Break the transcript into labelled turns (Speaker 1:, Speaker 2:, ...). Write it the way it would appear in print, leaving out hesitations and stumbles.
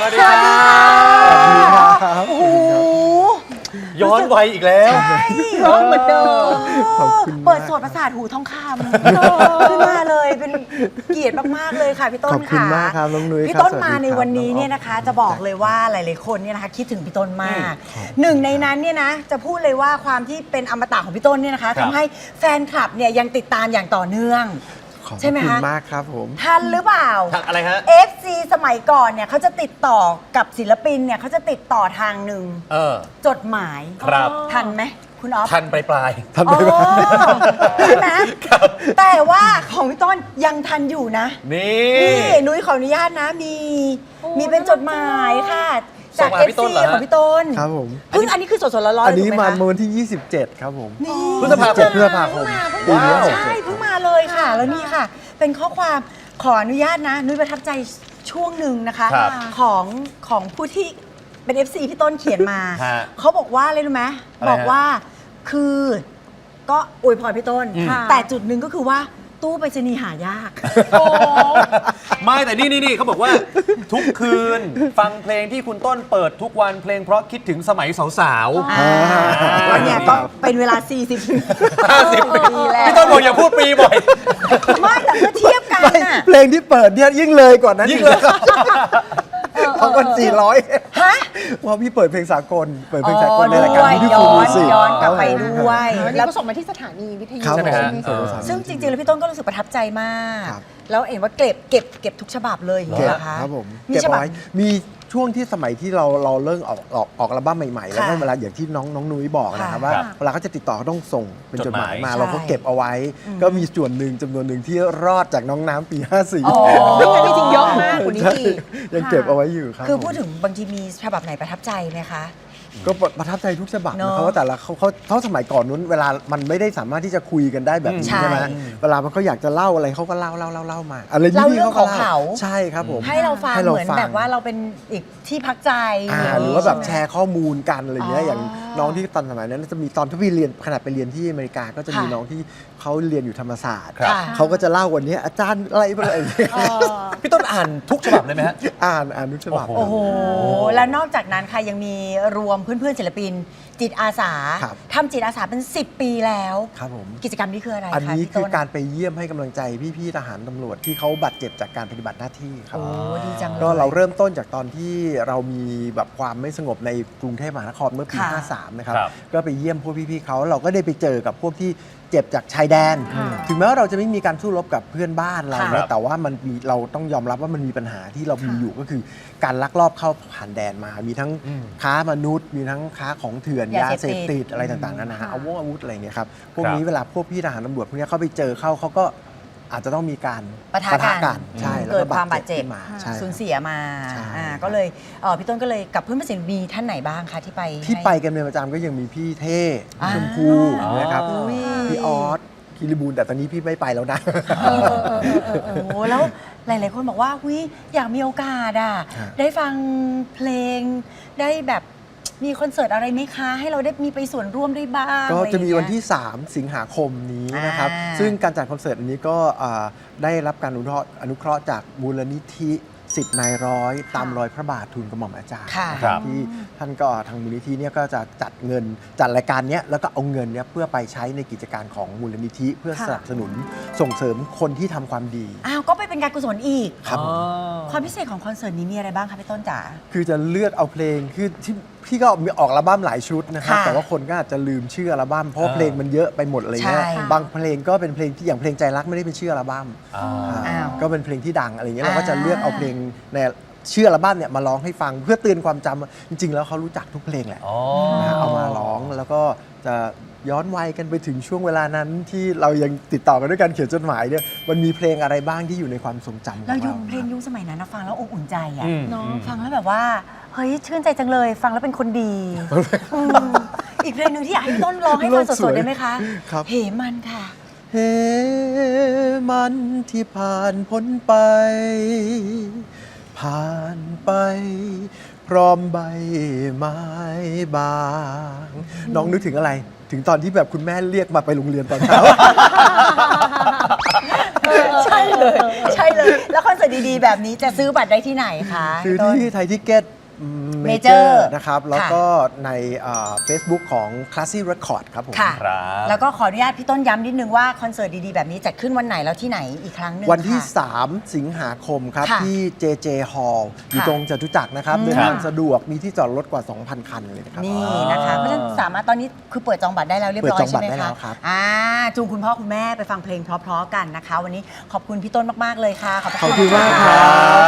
Speaker 1: วัสดีครับโอ้โหย้อนวัยอีกแล้ว
Speaker 2: ร้องเหมือนเดิม
Speaker 3: เปิดโสดประสาทหูทองคำขึ้นมาเลยเป็นเกียรติมากๆเลยค่ะพี่ต้น
Speaker 2: ขอบคุณ
Speaker 3: ค่ะ
Speaker 2: มากครับน้องนุ้ย
Speaker 3: พี่ต้น
Speaker 2: ครับ
Speaker 3: มาในวันนี้เนี่ยนะคะจะบอกเลยว่าหลายๆคนเนี่ยนะคะคิดถึงพี่ต้นมากหนึ่งในนั้นเนี่ยนะจะพูดเลยว่าความที่เป็นอมตะของพี่ต้นเนี่ยนะคะทำให้แฟนคลับเนี่ยยังติดตามอย่างต่อเนื่องใช่ไหมคะ
Speaker 2: ขอบคุณมากครับผม
Speaker 3: ทันหรือเปล่า
Speaker 1: ทักอะไรฮะ
Speaker 3: FC สมัยก่อนเนี่ยเขาจะติดต่อกับศิลปินเนี่ยเขาจะติดต่อทางหนึ่งจดหมาย
Speaker 1: ครับ
Speaker 3: ทันไหมคุณอ๊อฟ
Speaker 1: ทันปลาย
Speaker 2: ทำไปบ้าง
Speaker 3: ใช่ไหมแต่ว่าของพี่ต้นยังทันอยู่นะ
Speaker 1: นี่
Speaker 3: นี่นุ้ยขออนุญาตนะมีเป็นจดหมายค่ะ
Speaker 1: ส่
Speaker 3: จาก
Speaker 1: งมาให้พี่
Speaker 3: FC
Speaker 1: ต้นเหรอฮะ
Speaker 3: ของพี่ต้น
Speaker 2: ครับผม
Speaker 3: เพิ่งอันนี้คือสดๆร้อนๆ
Speaker 2: อันนี้
Speaker 3: ถูกไห
Speaker 2: มา
Speaker 3: คะ
Speaker 2: วันที่ 27 ครับผม
Speaker 3: นี่
Speaker 1: พฤษภาคม
Speaker 2: พฤษภาคมปีนี้
Speaker 3: ใช่เพิ่งมาเลยค่ะ แล้วนี่ค่ะ เป็นข้อความขออนุญาตนะ นุ้ยประทับใจช่วงหนึ่งนะคะ
Speaker 1: ครับ
Speaker 3: ของผู้ที่เป็น FC พี่ต้นเขียนมา
Speaker 1: ฮะ
Speaker 3: เขาบอกว่าอะไรรู้ไหม
Speaker 1: อะไรฮะ
Speaker 3: บอกว่าคือก็อวยพรพี่ต้น แต่จุดหนึ่งก็คือว่าตู้ไปรษณีย์หายาก
Speaker 1: ไม่แต่นี่เขาบอกว่า ทุกคืนฟังเพลงที่คุณต้นเปิดทุกวันเพลงเพราะคิดถึงสมัยสาว
Speaker 3: วันเนี้ยก็เป็นเวลา 40
Speaker 1: 50
Speaker 3: ปีแล้ว
Speaker 1: พี่ต้นบอกอย่าพูดปีบ่อย
Speaker 3: ไม่แต่เมื่อเทียบกันน่ะ
Speaker 2: เพลงที่เปิดเนี่ยยิ่งเลยกว่านั้น
Speaker 1: ยิ่งเลย
Speaker 2: ของวัน400
Speaker 3: ฮะ
Speaker 2: เพราะพี่เปิดเพลงสากล เปิดเพลงสากลในรายการ
Speaker 3: ด้วย
Speaker 2: ที่
Speaker 3: ย้
Speaker 2: ฟู
Speaker 3: อน
Speaker 2: มิสิ
Speaker 3: ย้อนกลับไปด้วย
Speaker 4: อันนี้ก็ส่งมาที่สถานีวิทยุ
Speaker 2: ครับ
Speaker 1: ใช่ไหม
Speaker 2: ผ
Speaker 1: ฮะ
Speaker 2: ม
Speaker 3: ซึ่งจริงๆ แล้วพี่ต้นก็รู้สึกประทับใจมาก
Speaker 2: ครับ
Speaker 3: แล้วเห็นว่าเก็บทุกฉบับเลยอย่าง
Speaker 2: เก็
Speaker 3: นี้
Speaker 2: บ
Speaker 3: เหรอคะ
Speaker 2: ครับผม
Speaker 3: มี
Speaker 2: เก็บ
Speaker 3: ฉบับ
Speaker 2: ไว้มีช่วงที่สมัยที่เราเริ่มออกอัลบั้มใหม่ๆ แล้วก็
Speaker 3: ค่ะ
Speaker 2: เวลาอย่างที่น้องนุ้ยบอกนะครับ
Speaker 3: ค่ะ
Speaker 2: ว่า
Speaker 1: ครับ
Speaker 2: เวลาเขาจะติดต่อเขาต้องส่งเป็นจดหมายมา
Speaker 3: ใช่
Speaker 2: เราก็เก็บเอาไว้ ก็มีส่วนหนึ่งจำนวนหนึ่งที่รอดจากน้องน้ำปี 54
Speaker 3: อ๋อ
Speaker 4: แต่จริงๆเยอะมากกว่านี้
Speaker 2: ใช่
Speaker 4: อีก
Speaker 2: ยังเก็บเอาไว้อยู่ครับ
Speaker 3: คือ
Speaker 2: ผม
Speaker 3: พูดถึงบางทีมีฉบับไหนประทับใจไหมคะ
Speaker 2: ก็ประทับใจทุกฉบับ
Speaker 3: เนอะ
Speaker 2: นะครับว่าแต่ละเขาสมัยก่อนนู้นเวลามันไม่ได้สามารถที่จะคุยกันได้แบบนี้
Speaker 3: ใช่
Speaker 2: ใช่ไหมเวลามันเขาอยากจะเล่าอะไรเขาก็เล่ามาอะไร
Speaker 3: เล่า
Speaker 2: นี่
Speaker 3: เรื่อง
Speaker 2: เขาก็
Speaker 3: ของเขา
Speaker 2: ใช่ครับผม
Speaker 3: ให้เราฟัง
Speaker 2: ให้
Speaker 3: เหมือน
Speaker 2: ฟัง
Speaker 3: แบบว่าเราเป็นอีกที่พักใจ
Speaker 2: หรือว่าแบบแช
Speaker 3: ใช่ไหม
Speaker 2: ร์ข้อมูลกันอะไรเงี้ย
Speaker 3: อ๋อ
Speaker 2: อย่างน้องที่ตอนสมัยนั้นจะมีตอนที่พี่เรียนขนาดไปเรียนที่อเมริกาก็จะมี
Speaker 3: ค่ะ
Speaker 2: น้องที่เขาเรียนอยู่ธรรมศาสตร์
Speaker 1: ครับ
Speaker 2: เขาก็จะเล่าวันนี้อาจารย์อะไรอะไรอย่างเงี้ย
Speaker 1: ๆ พี่ต้นอ่านทุกฉบับเลยไหมฮะ
Speaker 2: อ่านทุกฉบับ
Speaker 1: โอ้
Speaker 3: โอ้โห แล้วนอกจากนั้นค่ะยังมีรวมเพื่อนๆศิลปิน จิตอาสา
Speaker 2: ครับ
Speaker 3: ทำจิตอาสาเป็น 10 ปีแล้ว
Speaker 2: ครับผม
Speaker 3: กิจกรรมนี้คืออะไรคะ
Speaker 2: อันนี้
Speaker 3: พี่
Speaker 2: คื
Speaker 3: ต้
Speaker 2: อการไปเยี่ยมให้กำลังใจพี่ๆทหารตำรวจที่เขาบาดเจ็บจากการปฏิบัติหน้าที่ครับ
Speaker 3: โอ้ดีจังเลย
Speaker 2: ก็เราเริ่มต้นจากตอนที่เรามีแบบความไม่สงบในกรุงเทพมหานครเมื่อปี
Speaker 3: ค่ะ
Speaker 2: 53 นะครับ
Speaker 1: ครับ
Speaker 2: ก็ไปเยี่ยมพวกพี่ๆเขาเราก็ได้ไปเจอกับพวกที่เจ็บจากชายแดน ถึงแม้ว่าเราจะไม่มีการสู้รบกับเพื่อนบ้านเรา
Speaker 1: ครั
Speaker 2: นะ
Speaker 1: บ
Speaker 2: แต่ว่ามันมีเราต้องยอมรับว่ามันมีปัญหาที่เรามีอยู่ก็คือการลักลอบเข้าผ่านแดนมา มีทั้งค้ามนุษย์ มีทั้งค้าของเถื่อนยาเสพติดอะไรต่างๆนานาอาวุธอะไรอย่างเงี้ยครับพวกนี้เวลาพวกพี่ทหารตำรวจพวกนี้เขาไปเจอเขาก็อาจจะต้องมีการ
Speaker 3: ปะทะกัน
Speaker 2: ใช่แล้ว
Speaker 3: เกิ
Speaker 2: ก็
Speaker 3: ดความบาดเจ็บ
Speaker 2: ขึ้นมาใช่
Speaker 3: สูญเสียมา
Speaker 2: ใช่
Speaker 3: ก็เลยพี่ต้นก็เลยกับเพื่อนศิลปินมีท่านไหนบ้างคะที่ไป
Speaker 2: ที่
Speaker 3: ให้
Speaker 2: ไปกันเป็นประจำก็ยังมีพี่เท่
Speaker 3: อ่า
Speaker 2: ชมพูนะครับ
Speaker 3: อุ้ย
Speaker 2: พี่ออสคิริบูลแต่ตอนนี้พี่ไม่ไปแล้วนะ
Speaker 3: โอ้โหแล้วหลายๆคนบอกว่าอยากมีโอกาสอ่ะ
Speaker 2: ฮะ
Speaker 3: ได้ฟังเพลงได้แบบมีคอนเสิร์ตอะไรไหมคะ ให้เราได้มีไปส่วนร่วมได้บ้าง
Speaker 2: ก็จะมีวัน
Speaker 3: อไรอย่างเงี้ย
Speaker 2: ที่ 3 สิงหาคมนี้นะครับ
Speaker 3: อ่า
Speaker 2: ซึ่งการจัดคอนเสิร์ตอันนี้ก็ได้รับการอนุเคราะห์จากมูลนิธิ10 นายร้อยตามรอยพระบาททูลกระหม่อมอาจารย์
Speaker 3: ค่ะ
Speaker 1: ครับ
Speaker 2: ที่ท่านก็ทางมูลนิธิเนี่ยก็จะจัดรายการเนี้ยแล้วก็เอาเงินเนี้ยเพื่อไปใช้ในกิจการของมูลนิธิเพื่อสนับสนุนส่งเสริมคนที่ทำความดี
Speaker 3: อ้าวก็ไปเป็นการกุศลอีก
Speaker 2: ครับผม
Speaker 3: ความพิเศษของคอนเสิร์ตนี้มีอะไรบ้างคะพี่ต้นจ๋า
Speaker 2: คือจะเลือกเอาเพลงคือที่พี่ก็มีออกอัลบั้มหลายชุดนะครับ
Speaker 3: ค่ะ
Speaker 2: แต่ว่าคนก็อาจจะลืมชื่ออัลบั้มเพราะว่าเพลงมันเยอะไปหมดอะไรเงี้ย
Speaker 3: ใช่
Speaker 2: บางเพลงก็เป็นเพลงที่อย่างเพลงใจรักไม่ได้เป็นชื่ออัลบั้ม
Speaker 3: อ้าว
Speaker 2: ก็เป็นเพลงที่ดังอะไรเงี้ยเราก็จะเลือกเอาเพลงในชื่ออัลบั้มเนี่ยมาร้องให้ฟังเพื่อเตือนความจำจริงๆแล้วเขารู้จักทุกเพลงแหละ
Speaker 1: อ๋อ
Speaker 2: นะเอามาร้องแล้วก็จะย้อนวัยกันไปถึงช่วงเวลานั้นที่เรายังติดต่อกันด้วยการเขียนจดหมายเนี่ยมันมีเพลงอะไรบ้างที่อยู่ในความทรงจำของ
Speaker 3: เรา
Speaker 2: เรา
Speaker 3: ยุคเพลงยุคสมัยนั้นนะฟังแล้วอบอุ่นใจอ่ะ
Speaker 1: อืม
Speaker 3: เนาะฟังแล้วแบบว่าเฮ้ยชื่นใจจังเลย ฟังแล้วเป็นคนดีอืมอีกเพลงหนึ่งที่อยากให้พี่ต้นร้องให้ฟังสดๆได้ไหมคะ
Speaker 2: ครับ
Speaker 3: เหมันค่ะ
Speaker 2: เฮมันที่ผ่านพ้นไป ผ่านไป พร้อมใบไม้บาง น้องนึกถึงอะไร ถึงตอนที่แบบคุณแม่เรียกมาไปโรงเรียนตอนเช้า
Speaker 3: ใช่เลยใช่เลย แล้วคอนเสิร์ตดีๆแบบนี้จะซื้อบัตรได้ที่ไหนคะ
Speaker 2: คือ
Speaker 3: พี่ต้น
Speaker 2: ที่ไทยทิเก็ตเมเจอ
Speaker 3: Major
Speaker 2: ร์นะครับแล้วก็ในเฟซบุ๊กของ Classy Record ครับผม
Speaker 3: ค่ะ
Speaker 1: ครับ
Speaker 3: แล้วก็ขออนุญาตพี่ต้นย้ำนิดนึงว่าคอนเสิร์ตดีๆแบบนี้จัดขึ้นวันไหนแล้วที่ไหนอีกครั้งหนึ่ง
Speaker 2: วันที่
Speaker 3: ค่ะ
Speaker 2: 3 สิงหาคมครับ
Speaker 3: ค่ะ
Speaker 2: ที่ JJ Hall อยู่
Speaker 3: ค่ะ
Speaker 2: ตรงจตุจักรนะครับ
Speaker 3: อืม
Speaker 2: เดินทางสะดวกมีที่จอดรถกว่า 2,000 คันเลยนะครับ
Speaker 3: นี่นะคะเพราะฉะนั้นสามารถตอนนี้คือเปิดจองบัตรได้แล้วเรียบร้อย
Speaker 2: เปิดจอง
Speaker 3: ใช่
Speaker 2: บัตร
Speaker 3: ไหม
Speaker 2: ได้แล้
Speaker 3: คะ
Speaker 2: วครับ
Speaker 3: จูงคุณพ่อคุณแม่ไปฟังเพลงเพราะๆกันนะคะ วันนี้ขอบคุณพี่ต้นมากๆเลยค่ะ
Speaker 2: ขอบคุณมากครับ